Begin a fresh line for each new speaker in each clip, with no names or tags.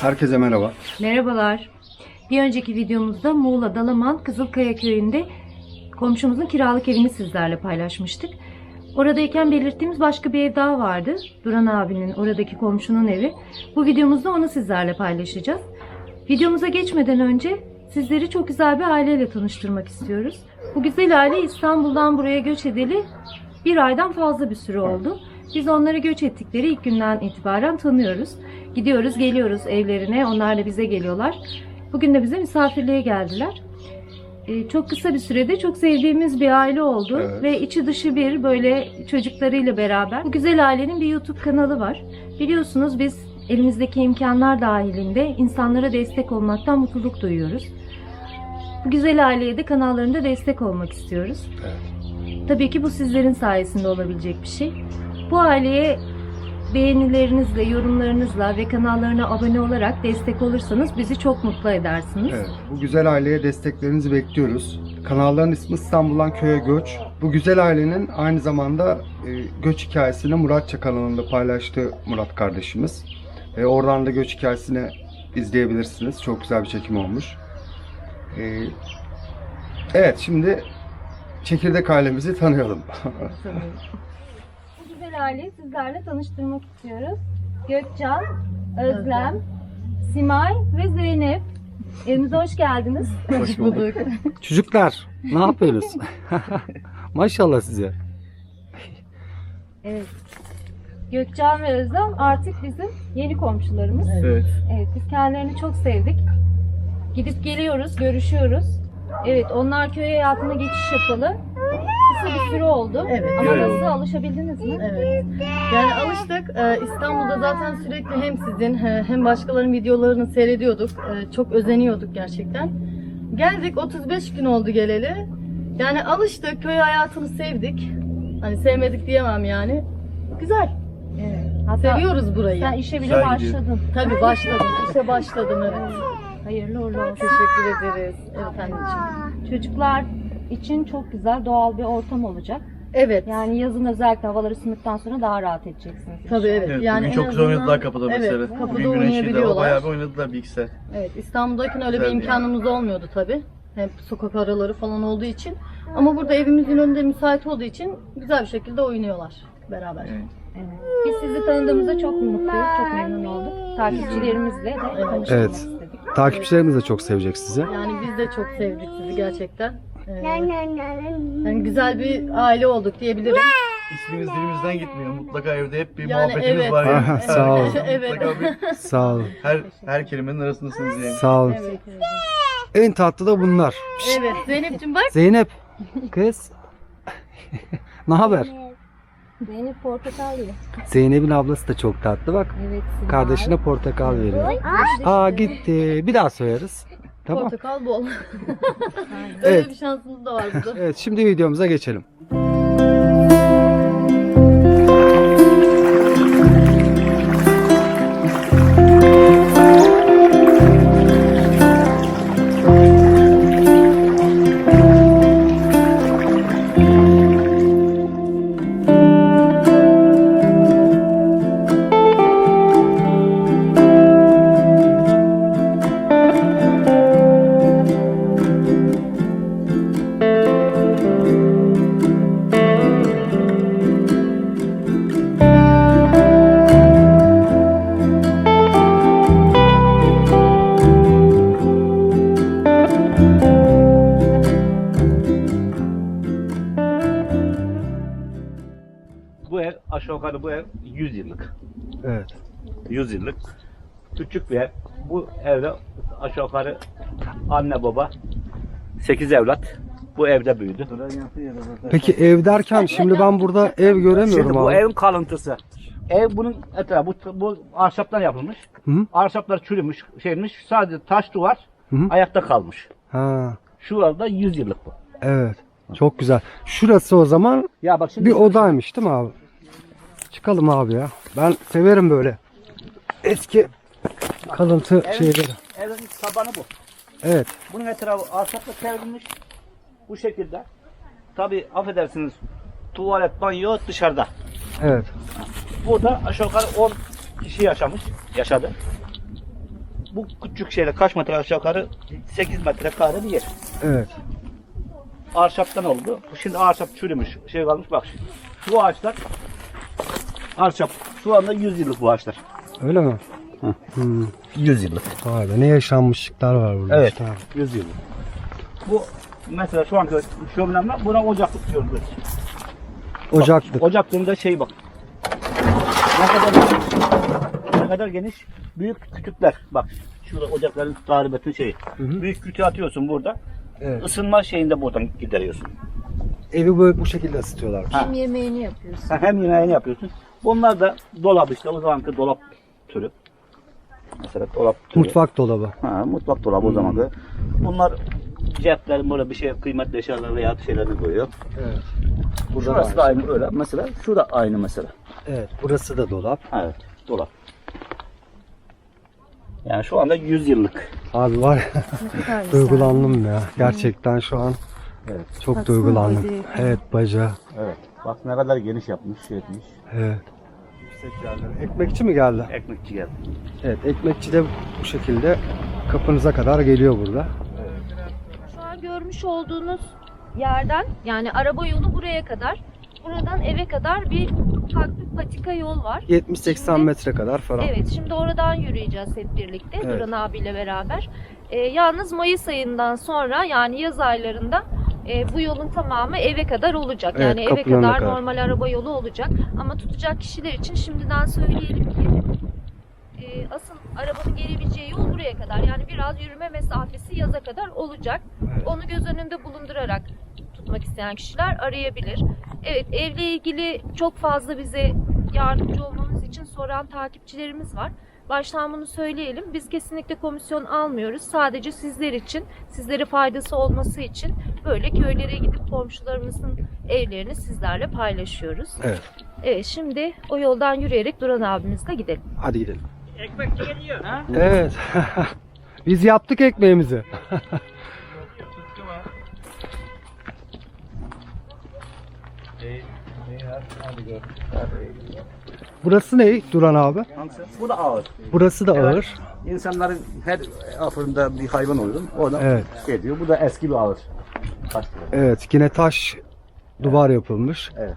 Herkese merhaba.
Merhabalar. Bir önceki videomuzda Muğla Dalaman Kızılkaya köyünde komşumuzun kiralık evini sizlerle paylaşmıştık. Oradayken belirttiğimiz başka bir ev daha vardı. Duran abinin, oradaki komşunun evi. Bu videomuzda onu sizlerle paylaşacağız. Videomuza geçmeden önce sizleri çok güzel bir aileyle tanıştırmak istiyoruz. Bu güzel aile İstanbul'dan buraya göç edeli bir aydan fazla bir süre oldu. Biz onları göç ettikleri ilk günden itibaren tanıyoruz. Gidiyoruz, geliyoruz evlerine. Onlar da bize geliyorlar. Bugün de bize misafirliğe geldiler. Çok kısa bir sürede çok sevdiğimiz bir aile oldu.
Evet.
Ve içi dışı bir böyle çocuklarıyla beraber. Bu güzel ailenin bir YouTube kanalı var. Biliyorsunuz biz elimizdeki imkanlar dahilinde insanlara destek olmaktan mutluluk duyuyoruz. Bu güzel aileye de kanallarında destek olmak istiyoruz.
Evet.
Tabii ki bu sizlerin sayesinde olabilecek bir şey. Bu aileye beğenilerinizle, yorumlarınızla ve kanallarına abone olarak destek olursanız bizi çok mutlu edersiniz.
Evet, bu güzel aileye desteklerinizi bekliyoruz. Kanalların ismi İstanbul'dan Köye Göç. Bu güzel ailenin aynı zamanda göç hikayesini Muratça kanalında paylaştı Murat kardeşimiz. Oradan da göç hikayesini izleyebilirsiniz. Çok güzel bir çekim olmuş. Evet, şimdi çekirdek ailemizi tanıyalım.
Bu güzel aileyi sizlerle tanıştırmak istiyoruz. Gökcan, Özlem, Simay ve Zeynep. Evimize hoş geldiniz.
Hoş bulduk.
Çocuklar ne yapıyorsunuz? Maşallah size.
Evet. Gökcan ve Özlem artık bizim yeni komşularımız.
Evet.
Evet, biz kendilerini çok sevdik. Gidip geliyoruz, görüşüyoruz. Evet, onlar köy hayatına geçiş yapalı. Kısa bir süre oldu.
Evet.
Ama nasıl, alışabildiniz mi?
Evet. Yani alıştık. İstanbul'da zaten sürekli hem sizin hem başkalarının videolarını seyrediyorduk. Çok özeniyorduk gerçekten. Geldik 35 gün oldu geleli. Yani alıştık. Köy hayatını sevdik. Hani sevmedik diyemem yani. Güzel.
Evet. Hatta
Seviyoruz burayı.
sen işe bile
Güzel gidiyor.
başladın.
Tabii başladım. İşe başladım, evet.
Hayırlı uğurlu olsun.
Teşekkür ederiz. Evet anneciğim.
Çocuklar için çok güzel doğal bir ortam olacak.
Evet.
Yani yazın özellikle havalar ısındıktan sonra daha rahat edeceksiniz.
Tabii evet.
Evet,
Yani
bugün
en
çok güzel
azından-
oynadılar kapıda mesela.
Evet, kapıda
Bugün güneşliydi,
oynayabiliyorlar.
bayağı bir oynadılar bilgisayar.
Evet, İstanbul'dayken öyle bir
Güzel
imkanımız olmuyordu tabii. Hem sokak araları falan olduğu için. Ama burada evimizin önünde müsait olduğu için güzel bir şekilde oynuyorlar beraber.
Evet.
Evet. Biz sizi tanıdığımızda çok mutluyuz, çok memnun olduk. Takipçilerimizle de tanışmak
Evet.
istedik.
Takipçilerimiz de çok sevecek sizi.
Yani biz de çok sevdik sizi gerçekten. Yani güzel bir aile olduk diyebilirim.
İsminiz dilimizden gitmiyor. Mutlaka evde hep bir
Yani
muhabbetimiz
evet.
var. Yani.
Aha, sağ olun.
Evet.
Mutlaka bir,
Sağ olun.
her kelimenin arasındasınız yani.
Sağ olun.
Evet.
En tatlı da bunlar.
Evet, Zeynep'ciğim bak.
Zeynep kız. Ne haber?
Zeynep portakal yiyor.
Zeynep'in ablası da çok tatlı bak.
Evet. Simay.
Kardeşine portakal veriyor. Aa gitti. Bir daha soyarız. Tamam.
Portakal bol. Öyle
Evet.
bir şansımız da var burada.
Evet şimdi videomuza geçelim.
Bu ev aşağı yukarı bu ev 100 yıllık.
Evet.
100 yıllık. Küçük bir ev. Bu evde aşağı yukarı anne baba 8 evlat bu evde büyüdü.
Peki ev derken şimdi ben burada ev göremiyorum
Şimdi bu
abi.
evin kalıntısı. Ev bunun etrafı bu ahşaptan yapılmış.
Hı?
Ahşaplar çürümüş, şeymiş. Sadece taş duvar
Hı.
ayakta kalmış.
Ha,
Şurada 100 yıllık bu.
evet. Çok güzel. Şurası o zaman
Ya bak şimdi
bir odaymış değil mi abi? Çıkalım abi ya. Ben severim böyle eski kalıntı şeyleri.
evin tabanı bu.
Evet.
Bunun etrafı ahşapla çevrilmiş. Bu şekilde. Tabi affedersiniz tuvalet, banyo dışarıda.
Evet.
Burada aşağı yukarı 10 kişi yaşadı. bu küçük şeyle kaç metre aşağı yukarı 8 metre kare bir yer.
Evet.
Ahşaptan oldu. Şimdi ahşap çürümüş. Şey kalmış bak şimdi. Şu ağaçlar ahşap. Şu anda 100 yıllık bu ağaçlar.
Öyle mi?
Hı.
Hmm.
100 yıllık.
Vay be, ne yaşanmışlıklar var burada.
Evet.
işte.
100 yıllık. Bu mesela şu anki şöminemle buna ocaklık diyoruz biz.
Ocaklık.
Ocaklığında şey bak. Ne kadar geniş. Büyük kütükler. Bak şurada ocakların taribetin şeyi.
hı.
Büyük kütüğü atıyorsun burada.
Evet.
Isınma şeyini de buradan gideriyorsun.
Evi böyle bu şekilde ısıtıyorlar.
Ha.
Hem yemeğini yapıyorsun.
Hem yemeğini yapıyorsun. Bunlar da dolap işte o zamanki dolap türü. Mesela dolap türü.
Mutfak dolabı.
Ha, mutfak dolabı o zamanki. Bunlar ceplerin böyle bir şey kıymetli eşyalar veya şeylerini koyuyor.
Evet.
Şurası da aynı öyle. Mesela şu da aynı mesela.
Evet. Burası da dolap.
Evet, dolap. Yani şu anda 100 yıllık.
Abi var ya,
Ne kadar güzel.
duygulandım ya. Gerçekten şu an
Evet.
çok
Baksana
duygulandım.
bacağı.
Evet, bacağı.
Evet. Bak ne kadar geniş yapmış, şey etmiş.
Evet. Ekmekçi mi geldi?
Ekmekçi geldi.
Evet, ekmekçi de bu şekilde kapınıza kadar geliyor burada.
Şu an görmüş olduğunuz yerden, yani araba yolu buraya kadar, buradan eve kadar bir ufak bir patika yol var.
70-80
Şimdi-
metre kadar falan.
Evet, şimdi oradan yürüyeceğiz hep birlikte
Evet.
Duran abiyle beraber. Yalnız Mayıs ayından sonra, yani yaz aylarında bu yolun tamamı eve kadar olacak.
Evet,
Yani eve
kapılarına
kadar
kadar.
normal araba yolu olacak. Ama tutacak kişiler için şimdiden söyleyelim ki asıl arabanın gelebileceği yol buraya kadar. Yani biraz yürüme mesafesi yaza kadar olacak.
Evet.
Onu göz önünde bulundurarak tutmak isteyen kişiler arayabilir. Evet, evle ilgili çok fazla bize yardımcı olmamız için soran takipçilerimiz var. Baştan bunu söyleyelim. Biz kesinlikle komisyon almıyoruz. Sadece sizler için, sizlere faydası olması için böyle köylere gidip komşularımızın evlerini sizlerle paylaşıyoruz.
Evet.
Evet, şimdi o yoldan yürüyerek Duran abimizle gidelim.
Hadi gidelim.
Ekmekçi geliyor. Ha?
Evet. Biz yaptık ekmeğimizi. Burası ne Duran abi?
Bu da ağır.
Burası da
Evet.
ağır.
İnsanların her afırında bir hayvan oluyor. O da
Evet.
şey diyor. Bu da eski bir ağır. Taş.
Evet, yine taş duvar yapılmış.
Evet.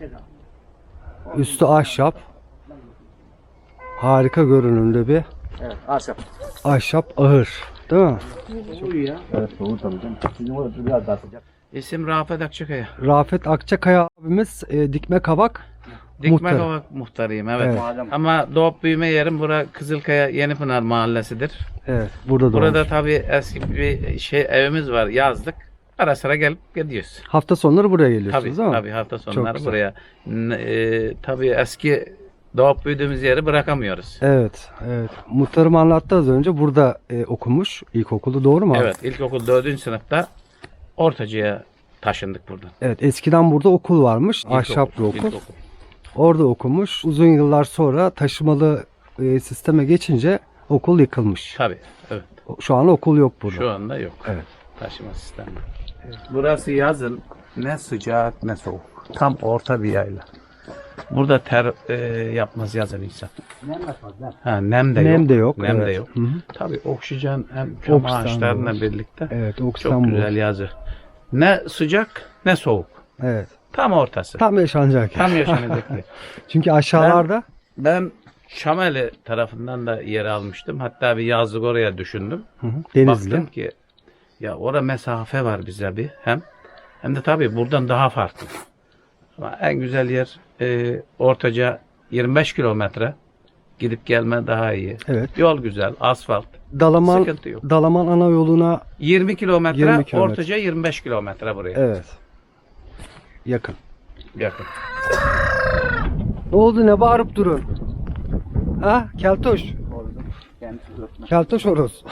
Üstü ahşap. Harika görünümlü bir
Evet. Ahşap.
ahşap ahır. Değil mi?
Evet. Soğuk tabii canım. Bizim orası biraz daha sıcak.
İsim Rafet Akçakaya.
Rafet Akçakaya abimiz Dikme Kavak
Dikme
muhtarı.
Kavak muhtarıyım, evet.
Evet.
Mahallem.
Ama doğup büyüme yerim bura Kızılkaya Yenipınar mahallesidir.
Evet, burada
Burada
doğmuş.
tabii eski bir evimiz var, yazlık. Ara sıra gelip gidiyoruz.
Hafta sonları buraya
Tabii
geliyorsunuz değil mi?
tabii hafta sonları
güzel.
buraya. Tabii eski doğup büyüdüğümüz yeri bırakamıyoruz.
Evet, evet. Muhtarım anlattı az önce. Burada okumuş ilkokulu, doğru mu abi?
Evet, ilkokul 4. sınıfta Ortacı'ya taşındık buradan.
Evet, eskiden burada okul varmış.
İlkokul,
Ahşap bir okul.
ilkokul.
Orada okumuş. Uzun yıllar sonra taşımalı sisteme geçince okul yıkılmış.
Tabii, evet.
Şu an okul yok burada.
Şu anda yok.
Evet.
Taşıma sistemi. Burası yazın ne sıcak ne soğuk. Tam orta bir yayla. Burada ter yapmaz yazın insan.
Nem yapmaz. Nem.
Ha, nem de
Nem
yok.
de yok,
Nem de
evet.
yok.
Hı hı.
Tabii oksijen hem çam
Oksijen
ağaçlarıyla
var.
birlikte
Evet,
çok
oksijen bu.
güzel yazı. Ne sıcak ne soğuk.
Evet.
Tam ortası.
Tam yaşanacak.
Tam yaşanacak yer.
Çünkü aşağılarda
Ben Şameli tarafından da yer almıştım. Hatta bir yazlık oraya düşündüm.
hı hı, Denizli.
Baktım ki ya orada mesafe var bize bir hem de tabii buradan daha farklı. Ama en güzel yer Ortaca 25 kilometre gidip gelme daha iyi.
Evet.
Yol güzel, asfalt,
Dalaman
sıkıntı yok.
Dalaman ana yoluna
20 kilometre,
20 kilometre.
Ortaca 25 kilometre buraya.
evet. Yakın.
Yakın.
Ne oldu, ne bağırıp durun? Ha? Keltoş.
Kendisi örtmez.
Keltoş horoz.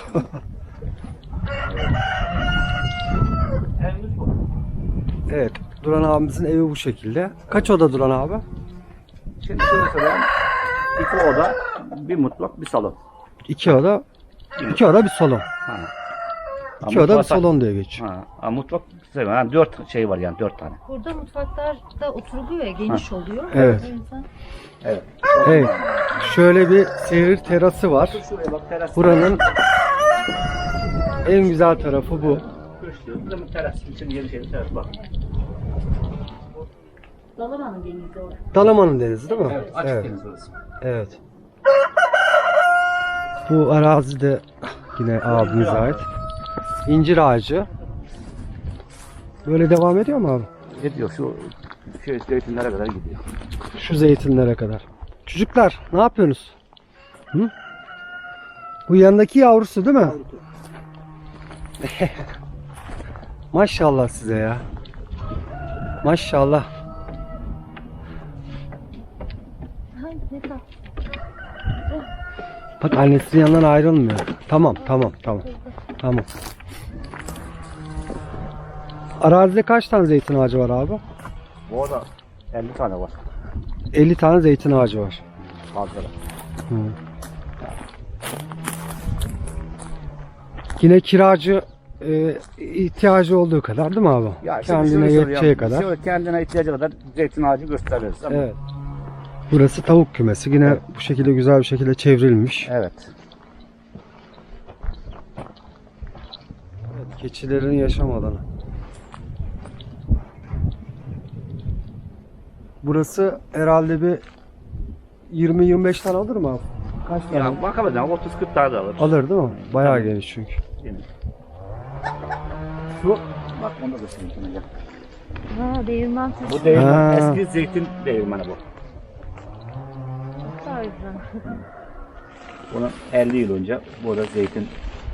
Evimiz bu.
Evet. Duran abimizin evi bu şekilde. Kaç oda Duran abi?
Şimdi mesela 2 oda, bir mutfak, bir salon.
2 oda. 2 oda bir salon.
Ha.
2 oda bir salon diye geçiyor.
Ha, mutfak yani 4 şey var yani 4 tane.
Burada mutfaklar da oturuluyor ya, geniş oluyor.
Evet.
O yüzden-
Evet.
Evet. Şöyle bir seyir terası var.
Şuraya bak teras.
Buranın en güzel tarafı bu.
Köşkü. Teras için yeni şey teras bak.
Dalaman'ın denizi orada.
Dalaman'ın denizi değil mi?
Evet, açık
Evet.
deniz burası.
Evet. Bu arazi de yine abimize ait. İncir ağacı. Böyle devam ediyor mu abi?
Ediyor şu zeytinlere kadar gidiyor.
Şu zeytinlere kadar. Çocuklar ne yapıyorsunuz? Hı? Bu yanındaki yavrusu değil mi? Maşallah size ya. Maşallah.
Ay, ne tatlı.
Bak annesinin yanından ayrılmıyor. Tamam. Tamam. Arazide kaç tane zeytin ağacı var abi?
Bu arada 50 tane var.
50 tane zeytin ağacı var.
Fazla.
Hı. Yine kiracı ihtiyacı olduğu kadar değil mi abi?
Ya işte
Kendine yeteceği kadar.
Şöyle kendine ihtiyacı kadar zeytin ağacı gösteririz. Ama
Evet. Burası tavuk kümesi. Yine
Evet.
bu şekilde güzel bir şekilde çevrilmiş.
Evet.
Evet, keçilerin yaşam alanı. Burası herhalde bir 20-25 tane alır mı abi? Kaç tane?
Ya bakalım 30-40 tane de alır.
Alır değil mi? Bayağı
Tabii.
geniş çünkü.
Değil mi?
Şu
Bak onu da göstereyim sana. Gel.
Ha, değirmen taşı.
Bu değirmen,
Ha.
eski zeytin değirmeni bu.
tarzı.
Bunu 50 yıl önce burada zeytin.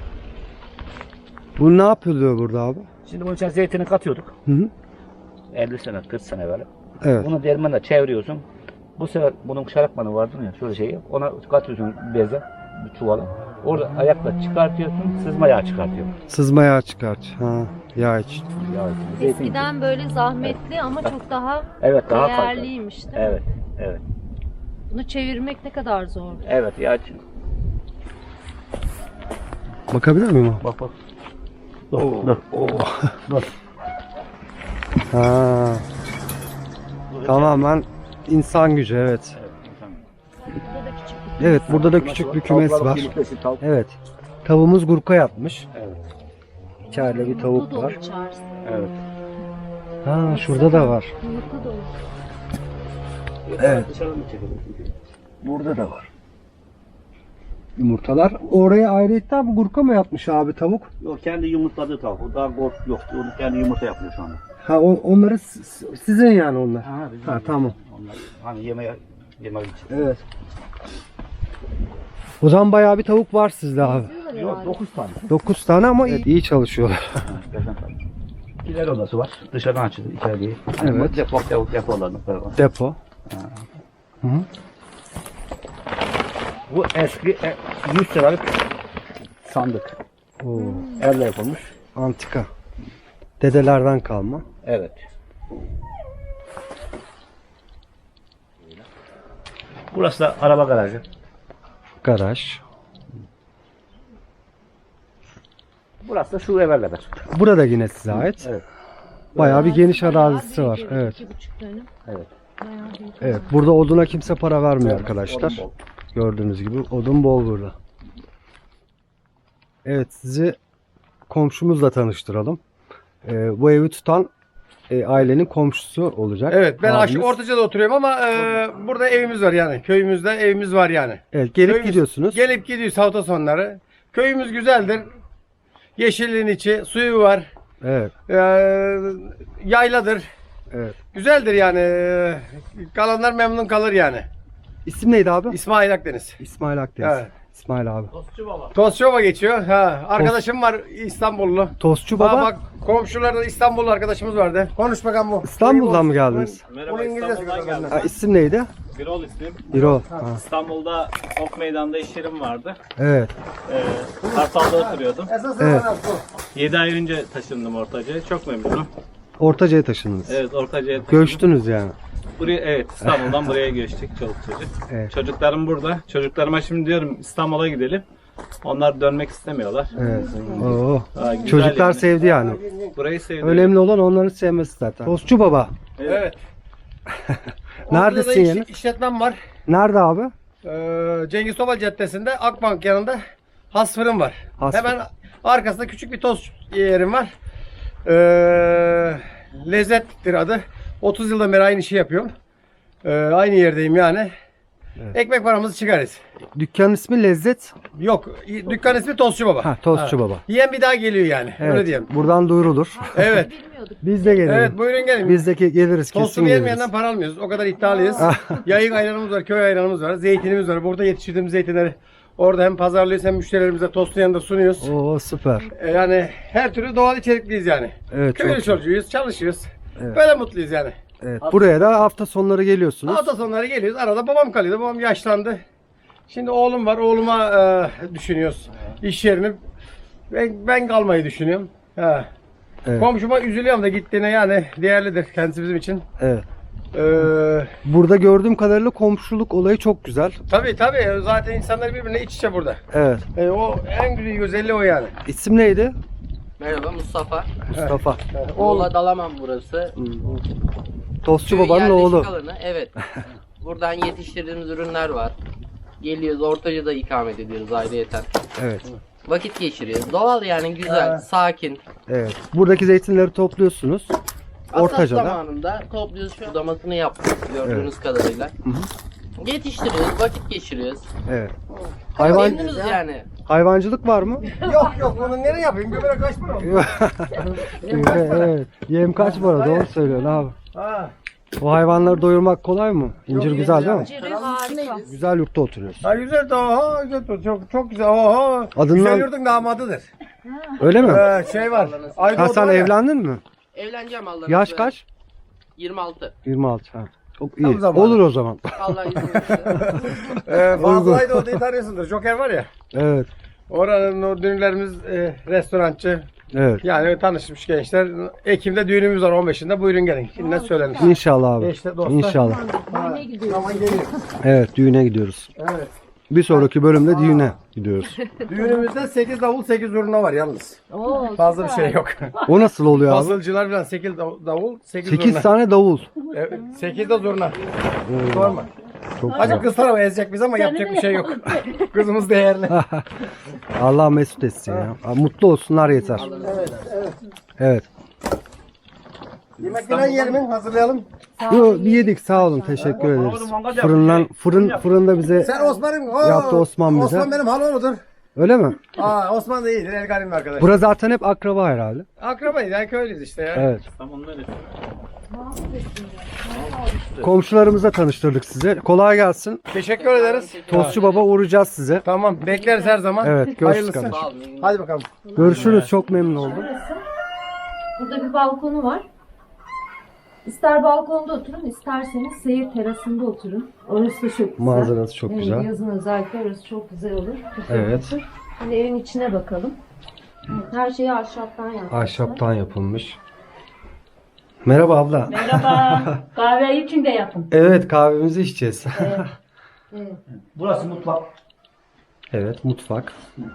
bu ne yapılıyor burada abi?
Şimdi bunun içine zeytini katıyorduk.
Hı hı.
50 sene, 40 sene böyle.
Evet.
Bunu değirmenle çeviriyorsun. Bu sefer bunun şarapmanı vardır ya şöyle şeyi. Ona katıyorsun beze, bir çuvala. Orada ayakla çıkartıyorsun, sızma yağı çıkartıyorsun.
Sızma yağı çıkart. Ha, yağ için.
Yağ için, zeytin için.
Eskiden böyle zahmetli ama çok daha
Evet daha farklı.
değerliymiş değil mi?
Evet, evet,
Bunu çevirmek ne kadar zor.
evet yağ için.
Bakabilir miyim?
Bak bak. Dur.
Ha. Tamamen insan gücü evet.
Burada da küçük bir
Evet burada da küçük bir kümes
Tavuklar
var.
yumurtası, tavuk.
Evet. Tavuğumuz gurka yapmış.
Evet.
İçeride bir
Mutlu
tavuk
dolu
var.
içerisi.
Evet.
Ha şurada da var.
Mutlu dolu.
Evet.
Dışarıdan mı çekelim?
Burada da var. Yumurtalar. Oraya ayrıyetten bu gurka mı yapmış abi tavuk?
Yok kendi yumurtladığı tavuk. O daha gol yok. Onu kendi yumurta yapıyor şu anda.
Ha onları sizin yani onlar.
Bizim
Ha tamam.
Onlar hani yemek için.
Evet. O zaman bayağı bir tavuk var sizde abi.
Yok 9 tane.
9 tane ama iyi çalışıyorlar.
5 tane. İler odası var. Dışarıdan açılır içeriye.
Evet.
Depolarını falan.
Depo. Hı hı.
Bu eski 100 liralık sandık.
Oo,
Elle yapılmış.
antika. Dedelerden kalma.
Evet. Burası da araba garajı.
Garaj.
Burası da şu eve kadar.
Burada yine size ait.
Evet.
Bayağı bir geniş
Bayağı
arazisi
büyük
var.
ev,
Evet.
2,5 dönüm.
Evet.
Bayağı büyük.
Evet. Burada oduna kimse para vermiyor arkadaşlar.
Odun bol.
Gördüğünüz gibi odun bol burada. Evet sizi komşumuzla tanıştıralım. Bu evi tutan ailenin komşusu olacak.
Evet ben
abimiz.
Ortaca'da oturuyorum ama burada evimiz var yani. Köyümüzde evimiz var yani.
Evet gelip
Köyümüz-
gidiyorsunuz.
Gelip gidiyoruz hafta sonları. Köyümüz güzeldir. Yeşilliğin içi, suyu var.
Evet.
Yayladır.
Evet.
Güzeldir yani. Kalanlar memnun kalır yani.
İsim neydi abi?
İsmail Akdeniz.
İsmail Akdeniz.
Evet.
İsmail abi.
Tozçova geçiyor. Ha, arkadaşım var İstanbullu.
Tostçu
Baba.
baba.
Bak komşularda İstanbullu arkadaşımız vardı. Konuş bakalım bu.
İstanbul'dan mı geldiniz?
Bunu İngilizce söylüyor benden.
Ha, isim neydi?
Birol ismim.
Birol. Ha.
İstanbul'da Ok Meydan'da iş yerim vardı.
Evet.
Kartal'da oturuyordum.
Evet.
7 ay önce taşındım Ortaca'ya. Çok memnunum.
Ortaca'ya taşındınız.
Evet Ortaca'ya taşındım.
Göçtünüz yani.
Buraya, evet İstanbul'dan buraya göçtük çoluk çocuk.
Evet.
Çocuklarım burada. Çocuklarıma şimdi diyorum İstanbul'a gidelim. Onlar dönmek istemiyorlar.
Evet. Oo.
Güzel
Çocuklar
yani.
sevdi yani.
Burayı sevdim.
Önemli olan onların sevmesi zaten. Tostçu baba.
Evet.
Neredesin
Ortada da
yani?
işletmem var.
Nerede abi?
Cengiz Topal Caddesi'nde Akbank yanında Has Fırın var.
Has
Hemen arkasında küçük bir tost yerim var. Lezzettir adı. 30 yıldan beri aynı işi yapıyorum. Aynı yerdeyim yani. Ekmek paramızı çıkarız.
Dükkanın ismi Lezzet.
Yok, dükkan ismi Tostçu Baba.
Ha, Tostçu Baba.
Yiyen bir daha geliyor yani. Öyle
Evet.
diyeyim.
Buradan duyurulur.
Evet.
Biz de gelelim.
Evet, buyurun gelin.
Biz de geliriz, kesin
Tostumu
geliriz.
yemeyenden para almıyoruz. O kadar iddialıyız. Yayık ayranımız var, köy ayranımız var, zeytinimiz var. Burada yetiştirdiğimiz zeytinleri orada hem pazarlıyoruz hem müşterilerimize tostun yanında sunuyoruz.
Oo, süper.
Yani her türlü doğal içerikliyiz yani.
Evet, çok
Köylü
güzel.
çocuğuyuz, çalışıyoruz.
Evet.
Böyle mutluyuz yani.
Evet. Buraya da hafta sonları geliyorsunuz.
Hafta sonları geliyoruz. Arada babam kalıyordu. Babam yaşlandı. Şimdi oğlum var. Oğluma düşünüyoruz. İş yerini. Ben kalmayı düşünüyorum. Ha.
Evet.
Komşuma üzülüyorum da gittiğine yani değerlidir kendisi bizim için.
Evet.
Ee,
Burada gördüğüm kadarıyla komşuluk olayı çok güzel.
tabii zaten insanlar birbirine iç içe burada.
Evet.
O en güzel özelliği o yani.
İsim neydi?
Merhaba Mustafa.
Mustafa.
Muğla Dalaman burası.
Tostçu
Köy
babanın
yerleşik
oğlu.
alanı, evet. Buradan yetiştirdiğimiz ürünler var. Geliyoruz, Ortaca'da ikamet ediyoruz ayrıyeten.
Evet.
Vakit geçiriyoruz. Doğal yani, güzel, sakin.
Evet. Buradaki zeytinleri topluyorsunuz.
Hasat
Ortaca'da.
zamanında topluyoruz, şu budamasını yaptık gördüğünüz kadarıyla. Yetiştiriyoruz, vakit geçiriyoruz.
Evet. Hayvan
Memnunuz yani.
hayvancılık var mı?
Yok bunu nereye yapayım? Göbele kaç para oldu?
Evet. Yem kaç para? Doğru söylüyorsun abi.
Ha.
O hayvanları doyurmak kolay mı? İncir güzel değil mi?
Harika.
Güzel yurtta oturuyorsun.
Ha güzel de oha güzel çok güzel oha.
Adından-
Güzel yurdun damadıdır.
Öyle mi?
Şey var. Ayda
Ha, sen evlendin mi?
Evleneceğim Allah'ın
Yaş
izniyle.
kaç?
26.
26. Ha. Çok
Tam
iyi.
zamanı.
Olur o zaman.
Allah izin verirse.
Fazla Ayda odayı tanıyorsundur. Joker var ya.
Evet.
Oranın o dünürlerimiz restorançı.
Evet.
Yani tanışmış gençler. Ekim'de düğünümüz var 15'inde. Buyurun gelin. Şimdiden söylenir.
İnşallah abi.
İşte dostlar.
İnşallah.
Zaman geliyor.
Evet, düğüne gidiyoruz.
Evet.
Bir sonraki bölümde düğüne gidiyoruz.
Düğünümüzde 8 davul 8 zurna var yalnız. Fazla bir şey yok.
O nasıl oluyor abi?
Fazılcılar falan 8 davul 8
8
zurna.
tane davul.
8 de zurna. Sorma.
Çok
Acık
güzel.
kız tarafı ezecek biz ama yapacak bir şey yok. Kızımız değerli.
Allah mesut etsin ya. Mutlu olsunlar yeter. Evet.
Yemek falan yiyelim mi? Hazırlayalım.
Yo, bir yedik, sağ olun, teşekkür ederiz. Fırında bize
Sen Osman'ım.
Yaptı Osman bize.
Osman benim halonudur.
öyle mi?
Osman da iyidir. Elgarim arkadaş.
Bura zaten hep akraba herhalde.
Akrabayız yani köylüyüz işte ya.
Evet.
Tamam öyle.
Komşularımızla tanıştırdık size. Kolay gelsin.
Teşekkür ederiz.
Tostçu baba uğrayacağız size.
Tamam bekleriz her zaman.
Evet, görüşürüz
Hayırlısı.
kardeşim.
Sağ olun.
Hadi bakalım.
Görüşürüz. Çok memnun oldum.
Burada bir balkonu var. İster balkonda oturun, isterseniz seyir terasında oturun. Orası da çok güzel.
Manzarası çok
Evet,
güzel.
Yazın özellikle orası çok güzel olur. Çok
Evet.
olur. Şimdi evin içine bakalım. Her şeyi ahşaptan yapmışlar.
Ahşaptan yapılmış. Merhaba abla.
Merhaba. Kahveyi içinde yapın.
Evet, kahvemizi içeceğiz.
Evet.
Burası mutfak.
Evet, mutfak.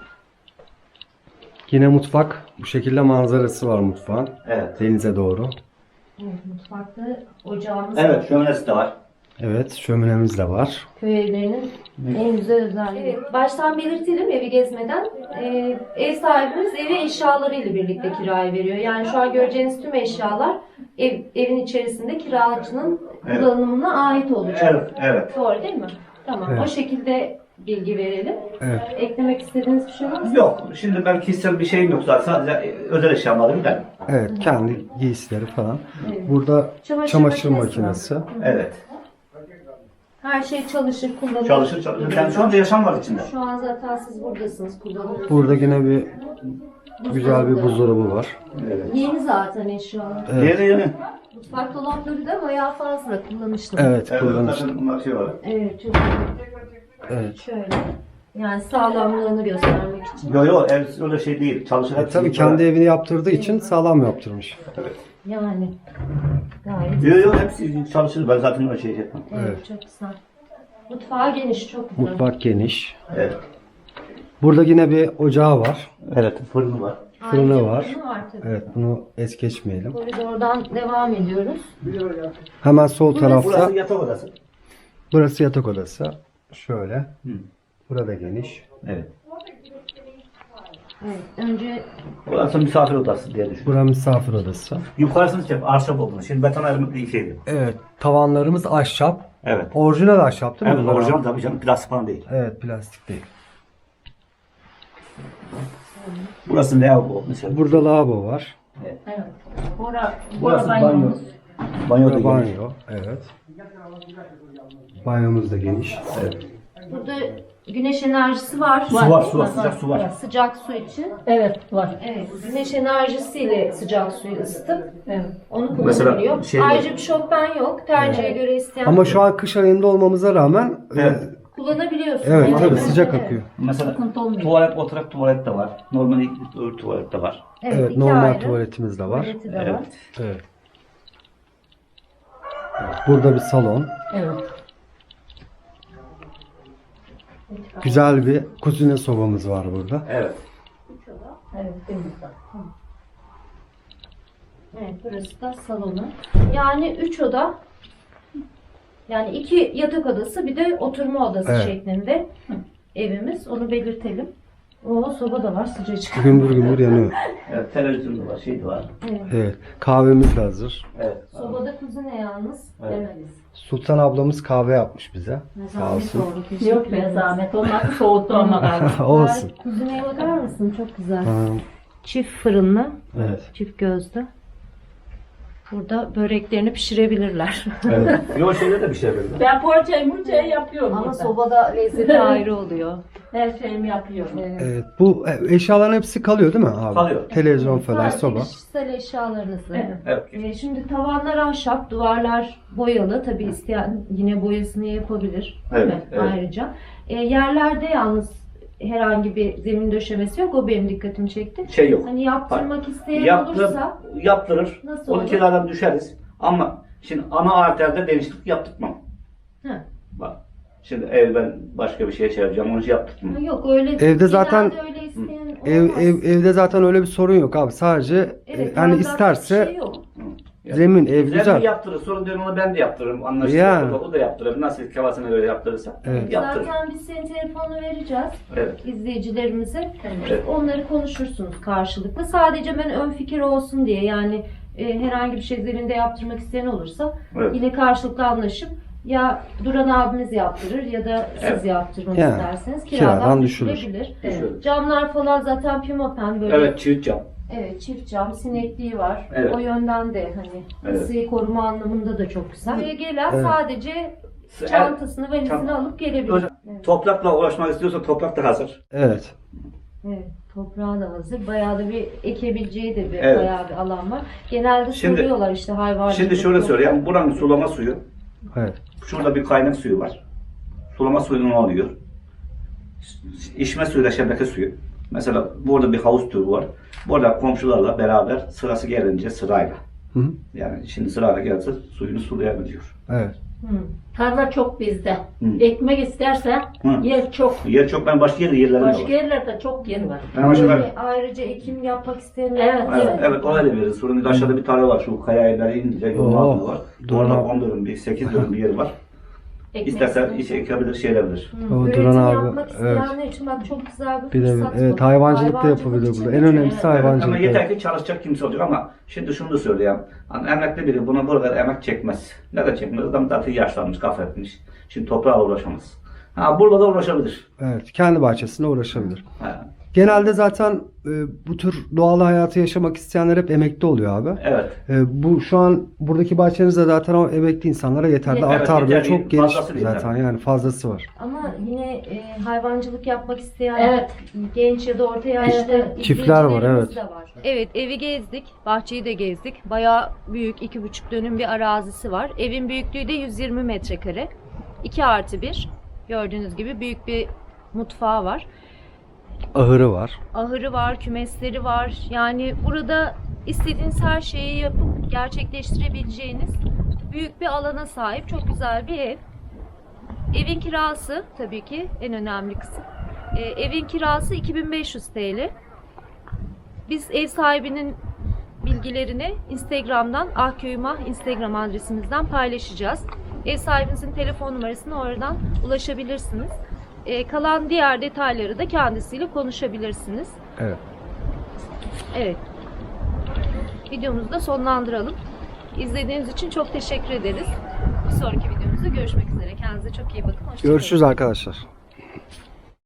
Yine mutfak. Bu şekilde manzarası var mutfağın.
Evet.
Denize doğru.
Evet, mutfakta ocağımız
Evet,
var.
şöminesi de var.
Evet, şöminemiz de var.
Köy evlerinin en güzel özelliği. Evet, baştan belirtelim evi gezmeden. Ev sahibimiz evi eşyalarıyla birlikte kiraya veriyor. Yani şu an göreceğiniz tüm eşyalar evin içerisinde kiracının kullanımına ait olacak.
Evet, evet.
Doğru değil mi? Tamam.
Evet.
O şekilde bilgi verelim.
Evet.
Eklemek istediğiniz bir şey var mı?
Yok, şimdi ben kişisel bir şeyim yok zaten. Sadece özel eşyamları gider.
Evet, kendi giysileri falan. Burada çamaşır makinesi.
Evet.
Her şey çalışır, kullanılır.
Çalışır. Yani şu anda yaşam var içinde.
Şu an zaten siz buradasınız, kullanıyorsunuz.
Burada yine bir güzel bir buzdolabı var.
Yeni zaten eşyalar.
Evet.
Yeni.
Mutfak dolapları da bayağı fazla kullanışlı.
Evet,
Evet,
kullanışlı.
zaten bunlar şey var.
Evet, çok iyi.
Evet.
Şöyle. Yani sağlamlığını göstermek için.
Yok, ev öyle şey değil. Çalışır. hepsi
Tabii
böyle.
kendi evini yaptırdığı için sağlam yaptırmış.
Yani gayet
Yok, hepsi çalışır. Ben zaten öyle şey yapmam.
evet, çok güzel. Mutfağı geniş, çok güzel.
Mutfak geniş.
Evet.
Burada yine bir ocağı var.
Evet, fırını var.
Fırını
Ayrıca
var.
fırını var tabii.
Evet, bunu es geçmeyelim.
Koridordan devam ediyoruz.
Hemen sol tarafta
Burası yatak odası.
burası yatak odası. Şöyle. Burada geniş.
Evet.
Evet, önce
Burası misafir odası diye düşün.
Burası misafir odası.
Yukarısını çek, ahşap olduğunu. Şimdi beton ayrımı bir şeydi.
Evet, tavanlarımız ahşap.
Evet.
Orijinal ahşap değil mi?
Evet,
bunlar?
orijinal tabii canım, plastik falan değil.
Evet, plastik değil.
Burası lavabo mesela.
Burada lavabo var.
Evet. Bora
Burası banyo.
banyomuz.
Banyo da
Burada
geniş.
banyo. Evet. Banyomuz da geniş.
Evet.
burada güneş enerjisi var.
Su var, su var, sıcak su var.
Sıcak su için.
Evet var.
Evet, güneş enerjisiyle sıcak suyu ısıtıp
Evet.
onu
Mesela
kullanabiliyor.
şeyde-
Ayrıca bir şofben yok. Tercihe göre isteyen
Ama şu an kış ayında olmamıza rağmen
Evet.
kullanabiliyorsun.
evet
Yani.
tabii sıcak akıyor.
Mesela
Sıkıntı olmuyor.
tuvalet, oturak tuvalet de var. Normal öbür tuvalet de var.
Evet,
iki
normal
ayrı
tuvaletimiz de var.
tuvaleti de var.
Evet.
Evet. Evet, burada bir salon.
Evet.
Güzel bir kuzine sobamız var burada.
Evet.
Evet. Temiz.
Evet, burası da salonu. Yani 3 oda, yani 2 yatak odası bir de oturma odası
Evet.
şeklinde evimiz. Onu belirtelim. O soba da var sıcacık.
Gümbür gümbür yanıyor.
Evet, televizyon da var, şey de var.
Evet, kahvemiz de hazır.
Evet.
Sobada kuzine yalnız demeliyiz.
Sultan ablamız kahve yapmış bize. Sağ
Zahmet
olsun.
oldu. Teşekkür
Yok be
ederiz.
zahmet olmaz. Soğuttu ama galiba.
Olsun.
Kuzineye bakar mısın? Çok güzel.
Ha,
Çift fırınlı,
evet.
çift gözlü. Burada böreklerini pişirebilirler.
Evet. Yok şeyde de bir şey böyle.
Ben poğaçayı murçayı yapıyorum.
Ama
burada.
sobada lezzeti ayrı oluyor.
Her şeyimi yapıyorum.
Evet, bu eşyaların hepsi kalıyor değil mi abi?
Kalıyor.
Televizyon falan,
Sadece
soba.
kişisel eşyalarınızı.
Evet.
Evet.
Şimdi tavanlar ahşap, duvarlar boyalı. Tabii isteyen yine boyasını yapabilir. Değil
Evet,
mi?
evet.
Ayrıca. Yerlerde yalnız herhangi bir zemin döşemesi yok. O benim dikkatimi çekti.
Şey yok.
Hani yaptırmak isteyen
Yaptır,
olursa
yaptırır.
Nasıl
12
olur?
liradan düşeriz. Ama şimdi ana arterde değişiklik yaptırtmam.
Hı.
Bak. Şimdi ev ben başka bir şeye çevireceğim. Onu yaptırtmam.
yok öyle.
Evde zaten-
genelde öyle isteyen olmaz.
Evde zaten öyle bir sorun yok abi. Sadece
Evet,
hani
yazlık
isterse
bir şey yok.
zemin, ev
Güzel
güzel.
yaptırır. Sonra diyorum onu ben de yaptırırım. Anlaşılır.
Yani.
O da yaptırır. Nasıl kafasına göre yaptırırsa.
Evet.
Yaptırır.
Zaten biz senin telefonunu vereceğiz
Evet.
izleyicilerimize.
Evet.
Onları konuşursunuz karşılıklı. Sadece ben ön fikir olsun diye yani herhangi bir şey zeminde yaptırmak isteyen olursa
Evet.
yine karşılıklı anlaşıp ya Duran abimiz yaptırır ya da siz
Evet.
yaptırmak
Yani,
isterseniz
kiradan
kiradan
düşülür.
düşülebilir.
Düşülür.
Camlar falan zaten pimapen böyle.
Evet, çift cam.
Evet, çift cam, sinekliği var.
Evet.
O yönden de hani
Evet.
ısıyı koruma anlamında da çok güzel. Buraya gelen
Evet.
sadece çantasını, valizini alıp gelebilir.
Öyle-
Evet.
Toprakla uğraşmak istiyorsa toprak da hazır.
Evet.
Evet, toprağı da hazır. Bayağı da bir ekebileceği de bir
Evet.
bayağı bir alan var. Genelde
Şimdi-
soruyorlar işte hayvancılık.
Şimdi şöyle söyleyeyim. Buranın sulama suyu.
Evet.
Şurada bir kaynak suyu var. Sulama suyu ne oluyor? İçme suyuyla şebeke suyu. Mesela burada bir havuz türü var. Burada komşularla beraber sırası gelince sırayla.
Hı hı.
Yani şimdi sırayla gelse suyunu sulayabiliyor.
Evet.
Hı.
Tarla çok bizde.
Hı.
Ekmek isterse
Hı.
yer çok.
Yer çok, ben başka yerlerinde
Başka
var.
yerlerde çok yer var.
Ben başka
Böyle ayrıca ekim yapmak isteyenler
Evet,
var.
Evet, evet o öyle veririz. Sonra aşağıda bir tarla var. Şu kaya evleri inince yolun
Oo,
altında var.
doğru.
Orada 10 dönüm, 8 dönüm bir yer var.
Ekmek
İstersen
isterse.
işe ekebilir, şey edebilir.
Hı,
O
Üretim
Duran abi,
yapmak isteyenler için bak çok güzel bir
Bir de
fırsat
evet
bu.
hayvancılık da yapabilir
için
burada. En
de çok-
önemlisi
Evet,
Ama
hayvancılık.
yeter
Evet.
ki çalışacak kimse olacak ama şimdi şunu da söyleyeyim. Hani emekli biri buna burada emek çekmez. Ne de çekmez? Adam zaten yaşlanmış, kafa etmiş. Şimdi toprağa uğraşamaz. Ha burada da uğraşabilir.
Evet, kendi bahçesine uğraşabilir.
Ha,
Genelde zaten bu tür doğal hayatı yaşamak isteyenler hep emekli oluyor abi.
evet.
Bu şu an buradaki bahçenizde zaten o emekli insanlara yeterli.
Evet,
Artar böyle
yeterli.
çok geniş
Fazlası
zaten
yeterli.
yani fazlası var.
Ama yine hayvancılık yapmak isteyen
Evet.
genç ya da orta yaşlı
Çiftler var,
izleyicilerimiz
evet.
de var. Evet, evi gezdik, bahçeyi de gezdik. Bayağı büyük, 2,5 dönüm bir arazisi var. Evin büyüklüğü de 120 metrekare. 2+1. Gördüğünüz gibi büyük bir mutfağı var.
Ahırı var.
Ahırı var, kümesleri var. Yani burada istediğiniz her şeyi yapıp gerçekleştirebileceğiniz büyük bir alana sahip çok güzel bir ev. Evin kirası tabii ki en önemli kısım. Evin kirası 2500 TL. Biz ev sahibinin bilgilerini Instagram'dan ahköymah Instagram adresimizden paylaşacağız. Ev sahibinizin telefon numarasını oradan ulaşabilirsiniz. Kalan diğer detayları da kendisiyle konuşabilirsiniz.
Evet.
Evet. Videomuzu da sonlandıralım. İzlediğiniz için çok teşekkür ederiz. Bir sonraki videomuzda görüşmek üzere. Kendinize çok iyi bakın. Hoşça kalın.
Görüşürüz arkadaşlar.